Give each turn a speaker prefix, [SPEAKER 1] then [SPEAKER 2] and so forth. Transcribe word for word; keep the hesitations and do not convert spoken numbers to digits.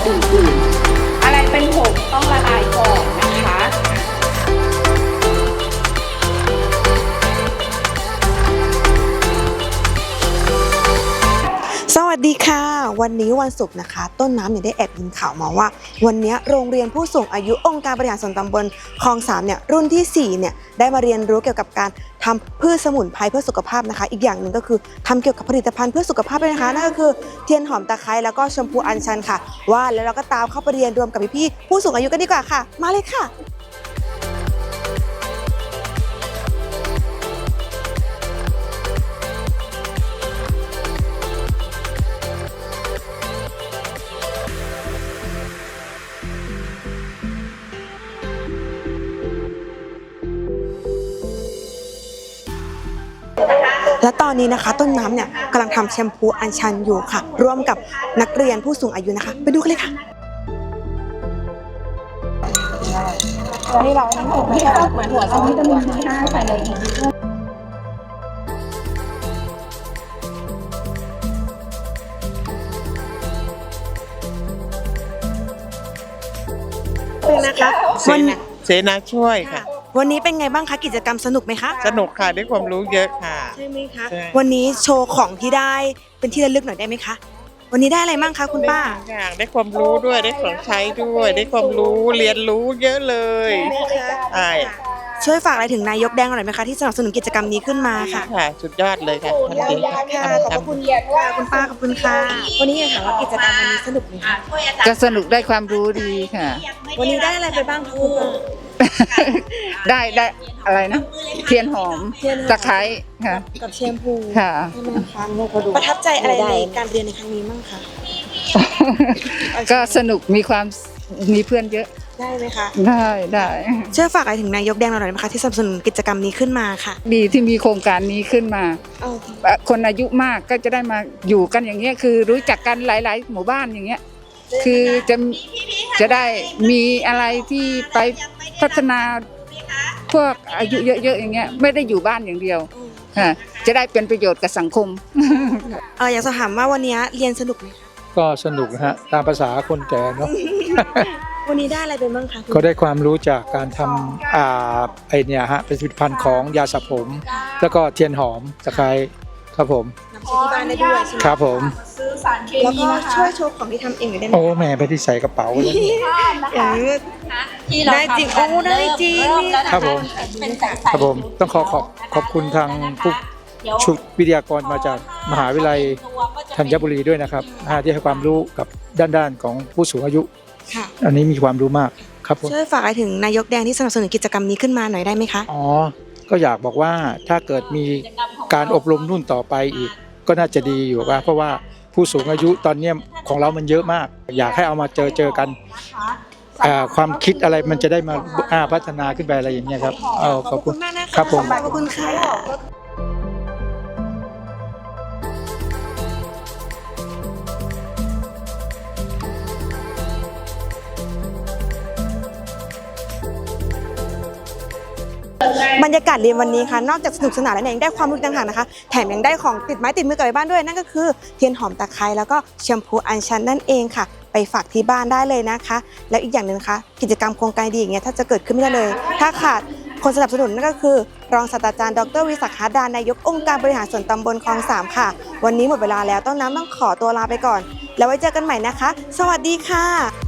[SPEAKER 1] อื่นๆอะไรเป็นผงต้องละลายก่อนนะคะ
[SPEAKER 2] สวัสดีค่ะวันนี้วันศุกร์นะคะต้นน้ำเนี่ยได้แอบยินข่าวมาว่าวันนี้โรงเรียนผู้สูงอายุองค์การบริหารส่วนตำบลคลองสามเนี่ยรุ่นที่สี่เนี่ยได้มาเรียนรู้เกี่ยวกับการทำพืชสมุนไพรเพื่อสุขภาพนะคะอีกอย่างหนึ่งก็คือทำเกี่ยวกับผลิตภัณฑ์เพื่อสุขภาพด้วยนะคะนั่นก็คือเทียนหอมตะไคร้แล้วก็ชมพูอัญชันค่ะว่าแล้วเราก็ตามเข้าไปเรียนรวมกับพี่ๆผู้สูงอายุกันดีกว่าค่ะมาเลยค่ะและตอนนี้นะคะต้นน้ำเนี่ยกำลังทำแชมพูอัญชันอยู่ค่ะร่วมกับนักเรียนผู้สูงอายุนะคะไปดูกันเลยค่ะ
[SPEAKER 1] ที่เราทั้งหมดไม่ใช่เหมือนหัวสมุนวิตามินบีห้าใส่เลยอีก
[SPEAKER 2] นะคะวัน
[SPEAKER 3] เสนาช่วยค่ะ
[SPEAKER 2] วันนี้เป็นไงบ้างคะกิจกรรมสนุกไหมคะ
[SPEAKER 3] สนุกค่ะได้ความรู้เยอะค่ะ
[SPEAKER 2] ใช่ไหมคะวันนี้โชว์ของที่ได้เป็นที่ระลึกหน่อยได้ไหมคะวันนี้ได้อะไรบ้างคะคุณป้า
[SPEAKER 3] อย่างได้ความรู้ด้วยได้ของใช้ด้วยได้ความรู้เรียนรู้เยอะเลยใช่
[SPEAKER 2] ช่วยฝากอะไรถึงนายกแดงหน่อยไหมคะที่สนับสนุนกิจกรรมนี้ขึ้นมาค่ะ
[SPEAKER 3] ค่ะสุดยอดเลยค่ะทันที
[SPEAKER 2] ค่ะขอบคุณค่ะคุณป้าขอบคุณค่ะวันนี้อยากถามว่ากิจกรรมวันนี้สนุกไหมคะ
[SPEAKER 4] ก็สนุกได้ความรู้ดีค่ะ
[SPEAKER 2] วันนี้ได้อะไรไปบ้างคะคุณป้า
[SPEAKER 4] ได้ได้อะไรนะเทียนหอมตะไคร้ค่ะ
[SPEAKER 2] กับแชมพู
[SPEAKER 4] ค่ะ
[SPEAKER 2] ใช่ไหมคะประทับใจอะไรในการเรียนในครั้งนี้มั่งคะ
[SPEAKER 4] ก็สนุกมีความมีเพื่อนเยอะ
[SPEAKER 2] ได้ไหมคะ
[SPEAKER 4] ได้ได้
[SPEAKER 2] ช่วยฝากอะไรถึงนายกแดงหน่อยไหมคะที่สนับสนุนกิจกรรมนี้ขึ้นมาค่ะ
[SPEAKER 4] ดีที่มีโครงการนี้ขึ้นมาคนอายุมากก็จะได้มาอยู่กันอย่างเงี้ยคือรู้จักกันหลายๆหมู่บ้านอย่างเงี้ยคือจะจะได้มีอะไรที่ไปพัฒนาพวกอายุเยอะๆอย่างเงี้ยไม่ได้อยู่บ้านอย่างเดียวค่ะจะได้เป็นประโยชน์กับสังคม
[SPEAKER 2] เอออยากจะถามว่าวันนี้เรียนสนุกไหมคะ
[SPEAKER 5] ก็สนุกนะฮะตามภาษาคนแก่เนาะ
[SPEAKER 2] วันนี้ได้อะไรไปบ้างคะ
[SPEAKER 5] ก็ได้ความรู้จากการทำอ่าไอเนี่ยฮะเป็นผลิตภัณฑ์ของยาสระผมแล้วก็เทียนหอมตะไคร้ครับผม
[SPEAKER 2] นำที่บ้านได้ด้วยใช่ไหม
[SPEAKER 5] ครับผม
[SPEAKER 2] แล้วก็ช่วยโชว์ของที่ทำเองหน่อยได้ไหม
[SPEAKER 5] โอ้แม่ไปที่ใส่กระเป๋าเลย
[SPEAKER 2] ได้จริงโอ้ได้จริง
[SPEAKER 5] ครับผมครับผมต้องขอขอบขอบคุณทางผู้ชุดวิทยากรมาจากมหาวิทยาลัยธัญบุรีด้วยนะครับที่ให้ความรู้กับด้านๆของผู้สูงอายุอันนี้มีความรู้มากครับผม
[SPEAKER 2] ช่วยฝากอะไรถึงนายกแดงที่สนับสนุนกิจกรรมนี้ขึ้นมาหน่อยได้ไหมคะ
[SPEAKER 5] อ๋อก็อยากบอกว่าถ้าเกิดมีการอบรมรุ่นต่อไปอีกก็น่าจะดีอยู่ว่าเพราะว่าผู้สูงอายุตอนนี้ของเรามันเยอะมากอยากให้เอามาเจอเจอกันความคิดอะไรมันจะได้มาพัฒนาขึ้นไปอะไรอย่างเงี้ยครับ
[SPEAKER 2] ขอบคุณมากนะคะ
[SPEAKER 5] ครับผม
[SPEAKER 2] ขอบคุณค่ะบรรยากาศเรียนวันนี้ค่ะนอกจากสนุกสนานแล้วเนี่ยยังได้ความรู้ต่างหากนะคะแถมยังได้ของติดไม้ติดมือกลับไปบ้านด้วยนั่นก็คือเทียนหอมตะไคร้แล้วก็แชมพูอัญชันนั่นเองค่ะไปฝากที่บ้านได้เลยนะคะแล้วอีกอย่างหนึ่งนะคะกิจกรรมโครงการดีอย่างเงี้ยถ้าจะเกิดขึ้นไม่ได้เลยถ้าขาดคนสนับสนุนนั่นก็คือรองศาสตราจารย์ดร.วิศักดิ์ หาดานายกองค์การบริหารส่วนตำบลคลองสามค่ะวันนี้หมดเวลาแล้วต้นน้ำต้องขอตัวลาไปก่อนแล้วไว้เจอกันใหม่นะคะสวัสดีค่ะ